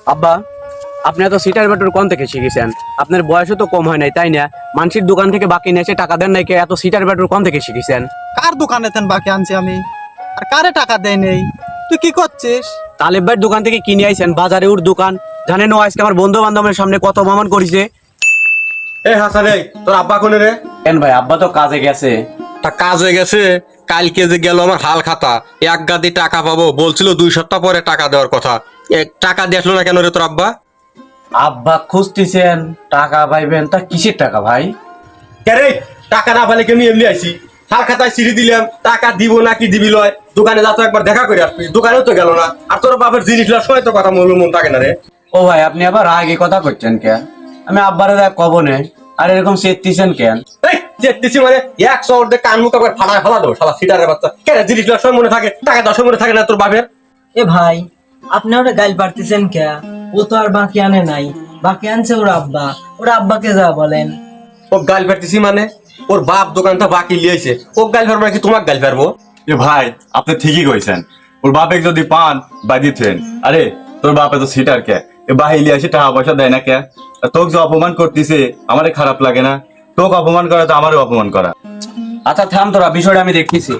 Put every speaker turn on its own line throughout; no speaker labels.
আব্বা, আপনি এত সিটার ব্যাটর কোন থেকে শিখেছেন? আপনার বয়সও তো কম হয় নাই, তাই না? মানুষের দোকান থেকে বাকি নিয়ে এসে টাকা দেন নাই কে? এত সিটার ব্যাটর কোন থেকে শিখেছেন?
কার দোকানে তেন বাকি আনছি আমি? আর কারে টাকা দেয় নেই? তুই কি করছিস?
তালেব ভাইয়ের দোকান থেকে কিনে আইছেন, বাজারে ওর দোকান। জানেন ও আজকে আমার বন্ধু বান্ধবের সামনে কত অপমান করেছে।
এই হাসান, এই তোর আব্বা কোনে রে?
কেন ভাই, আব্বা তো কাজে গেছে।
তা কাজ হয়ে গেছে। কালকে যে গেল আমার হাল খাতা, এক গাদি টাকা পাবো বলছিল, 2 সপ্তাহ পরে টাকা দেওয়ার কথা। টাকা দিয়ে আসলো না কেন রে তোর আব্বা?
আব্বা খুঁজতেছেন টাকা পাইবেন, তা কিসের টাকা ভাই?
কে টাকা না পাইলে কেমনি এমনি আইছি? হাল খাতায় চিঠি দিলাম, টাকা দিব নাকি দিবি লয়, দোকানে যা তো একবার দেখা করে আসবি, দোকানেও তো গেল না। আর তোর বাপের জিনিস লওয়ার সময় তো কথা মন থাকে না রে।
ও ভাই, আপনি আবার আগে কথা করছেন কেন? আমি আব্বারে দেখ কব নে, আর এরকম চেতেছেন কেন?
এই চেতেছি মানে এক শহর দিয়ে কান মুখ একবার ফাটায় ফেলা দেবো শালা সিটারের বাচ্চা। কেন জিনিস লওয়ার সময় মনে থাকে, টাকা দেওয়ার সময় মনে থাকে না তোর বাপের?
এ ভাই, আপনি ওরা গাইল পারতেছেন কে? ও তো আর বাকি আনে নাই, বাকি আনছে ওর আব্বা। ওর আব্বাকে যা বলেন।
ও গাল ফেরতেছি মানে? ওর বাপ দোকানটা বাকি লিয়েছে, ও গাল ফেরবো নাকি তোমাকে গাল ফেরবো?
এ ভাই, আপনি ঠিকই কইছেন। ওর বাপে যদি পান বা দিতেন। আরে তোর বাপে তো সিটার কে, এ বাহিলি আসে টাকা পয়সা দেয় না কে? আর তোকে যে অপমান করতেছে আমারে খারাপ লাগে না? তোকে অপমান করা তো আমারও অপমান করা।
আচ্ছা থাম তোরা, বিষয়টা আমি দেখতেছি।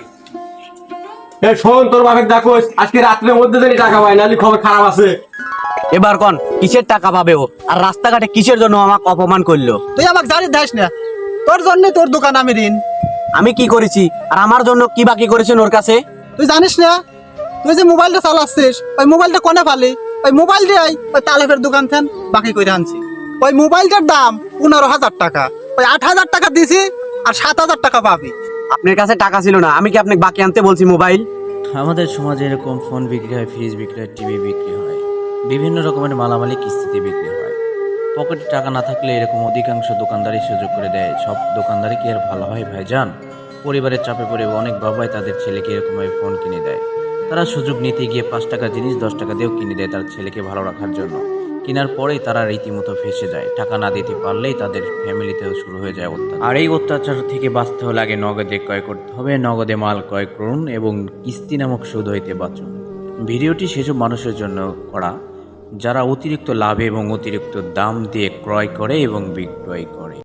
এই শোন, তোর বাপের দেখো আজকে রাত্রের মধ্যে যদি টাকা পায়, নাহলে খবর খারাপ আছে।
এবার কোন কিসের টাকা পাবে ও? আর রাস্তাঘাটে কিসের জন্য আমাকে অপমান করলো?
তুই আমাকে জানি দাস না, তোর জন্য তোর দোকান আমি ঋণ।
আমি কি করেছি? আর আমার জন্য কি বাকি করেছেন ওর কাছে?
তুই জানিস না, তুই যে মোবাইলটা চালাচ্ছিস, ওই মোবাইলটা কোনে ফালি? ওই মোবাইল দিয়ে ওই তালেবের দোকান থেন বাকি করে আনছি। ওই মোবাইলটার দাম 15,000 টাকা। ওই 8,000 টাকা দিছি, আর 7,000 টাকা পাবি।
আপনার কাছে টাকা ছিল না, আমি কি আপনাকে বাকি আনতে বলছি মোবাইল?
আমাদের সমাজে এরকম ফোন বিক্রি হয়, ফ্রিজ বিক্রি হয়, টিভি বিক্রি হয়, বিভিন্ন রকমের মালামালি কিস্তিতে বিক্রি হয়। পকেটে টাকা না থাকলে এরকম অধিকাংশ দোকানদারই সুযোগ করে দেয়। সব দোকানদারই কি আর ভালো হয় ভাইজান? পরিবারের চাপে পড়ে অনেক বাবাই তাদের ছেলেকে এরকমভাবে ফোন কিনে দেয়। তারা সুযোগ নিতে গিয়ে 5 টাকার জিনিস 10 টাকা দিয়েও কিনে দেয় তার ছেলেকে ভালো রাখার জন্য। কেনার পরেই তারা রীতিমতো ফেঁসে যায়। টাকা না দিতে পারলেই তাদের ফ্যামিলিতেও শুরু হয়ে যায় অত্যাচার। আর এই অত্যাচার থেকে বাঁচতে হলে আগে নগদে ক্রয় করতে হবে। নগদে মাল ক্রয় করুন এবং কিস্তি নামক সুদ হইতে বাঁচুন। ভিডিওটি সেসব মানুষের জন্য করা যারা অতিরিক্ত লাভে এবং অতিরিক্ত দাম দিয়ে ক্রয় করে এবং বিক্রয় করে।